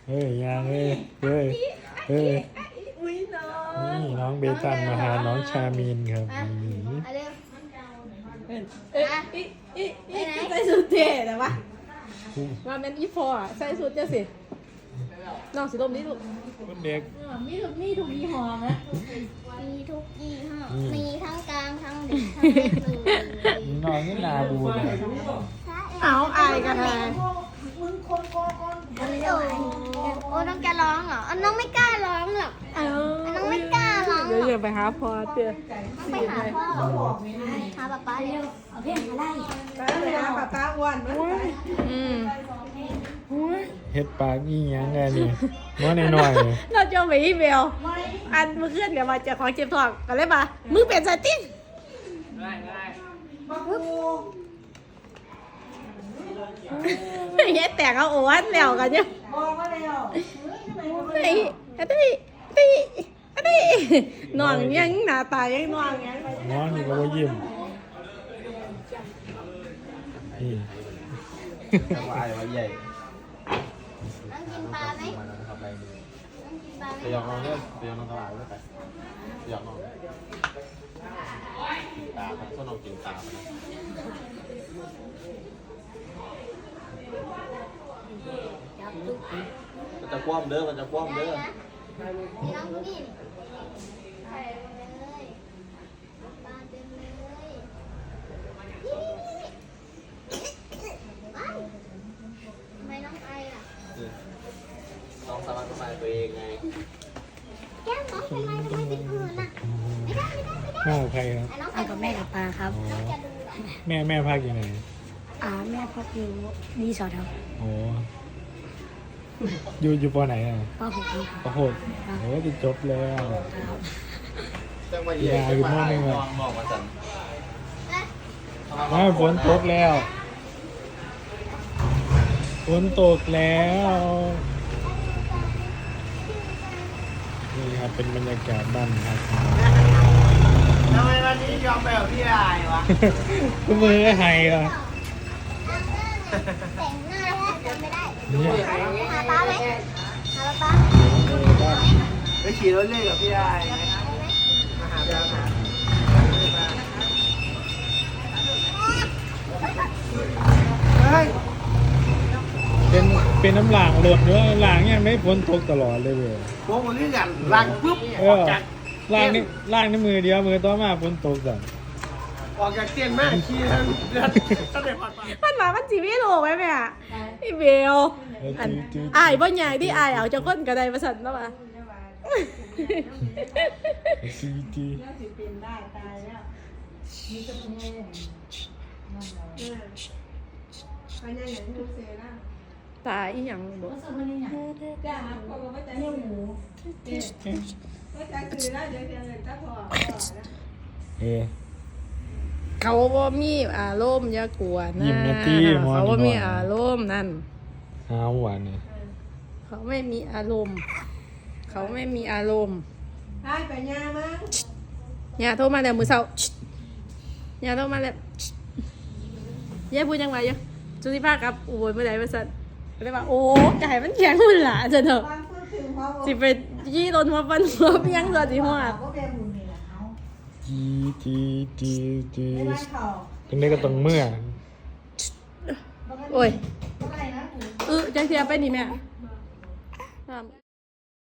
เฮ้ยยังเฮ้ยเฮ้ยเฮ้ยนี่น้องเบตันมาหาน้องชามีนครับใส่สูทเท่แต่ว่าว่าเป็นอีพอใส่สูทเจ้าสิน้องสิลมนี่ลูกคนเด็กมีทุกยี่ห้อนะมีทุกยี่ห้อมีทั้งกลางทั้งเด็กทั้งเล็กเลยน้องนี่นาบูนะเอาอายกันเลยโอ้น้องจะร้องเหรอน้องไม่กล้าร้องหรอกน้องไม่กล้าร้องหรอกเดี๋ยวไปหาพอเตี้ยไปหาพ่อหาป๊าป๊าเร็วเอาเพลงมาไล่ไปหาป้าอ้วนเฮ็ดปากนี่ยังไงนี่น้อยหน่อยเราจะไปอีเมลอันเมื่อคืนเดี๋ยวมาจากของเจ็บท้องกันเลยป่ะมึงเป็นสติ้งเฮ็ดแต่งเอาโอ้วันแล้วกันเนี่ยนอนยังหน้าตายังนอนยังน้องนี่ก็ว่ายิ้มนี่วายไว้ใหญ่น้องกินปลาไหมมันทำอะไรดีน้องกินปลาไหมไปยองน้องเนี่ยไปยองน้องตลาดด้วยไปยองน้องตาครับส้นน้องกินตามันจะคว่ำเด้อมันจะคว่ำเด้อนี่น้องดูนี่ใส่เลยปลาเต็มเลยทำไมน้องไอล่ะน้องสามารถทำลายตัวเองไงแก้มน้องทำไมเป็นผื่นอ่ะไม่ได้แม่ใครครับน้องเอากับแม่กับปลาครับอ๋อจะดูเหรอแม่พักอยู่ไหนแม่พักอยู่รีสอร์ทครับโอ้อยู่ปอไหนอ่ะป้าหกครับปอหกโอ้จะจบแล้วจังหวะใหญ่บอกมาสั่นฝนตกแล้วฝนตกแล้วนี่ครับเป็นบรรยากาศบ้านครับทำไมวันนี้ยอมแบบพี่อายวะก็มือไห้อ่ะแต่งหน้าแล้วจำไม่ได้เนี่ยหาป้าไหมหาป้าไปขี่รถเล่นกับพี่อายไหมมาหาพี่อาเฮ้ยเป็นน้ำหลางหลดเนื้อหลางยังไม่ฝนตกตลอดเลยเว้ยพวกมันเล่นกันลังปุ๊บเออออกจากล่างนี่มือเดียวมือต่อมาฝนตกจ้ะออกจากเตียนมากขี่ทั้งเดือนตั้งแต่ผ่านมามันมามันจีไม่โลกไหมแม่พี่เบลอันอายบ่ใหญ่ที่อายเอาจะก้นกระไดมาสั่นแล้วป่ะจีตายอีหยังบ่เออเขาบ่มีอารมณ์อย่ากลัวนะยิ้มนะตี้หมอนี่เขาบ่มีอารมณ์นั่นหาหวานเนี่ยเขาไม่มีอารมณ์ เขาไม่มีอารมณ์ให้ไปย่ามั้งอย่าโทรมาแล้วมือเช้าอย่าโทรมาแล้วย่าพูดยังไงยังจุติภากับอุบลเมื่อไหร่มาสั่นก็เลยว่าโอ้ไก่มันแข็งมันหลาจะเถอะฟังพูดถึงพ่อบอกสิไปยี่โดนหัวฟันหัวเพียงตัวสิหัวว่าเป็นบุญนี่แหละเขาจีไม่ได้เขาตรงนี้ก็ต้องเมื่อโอ้ยอะไรนะจังเสียไปนี่แม่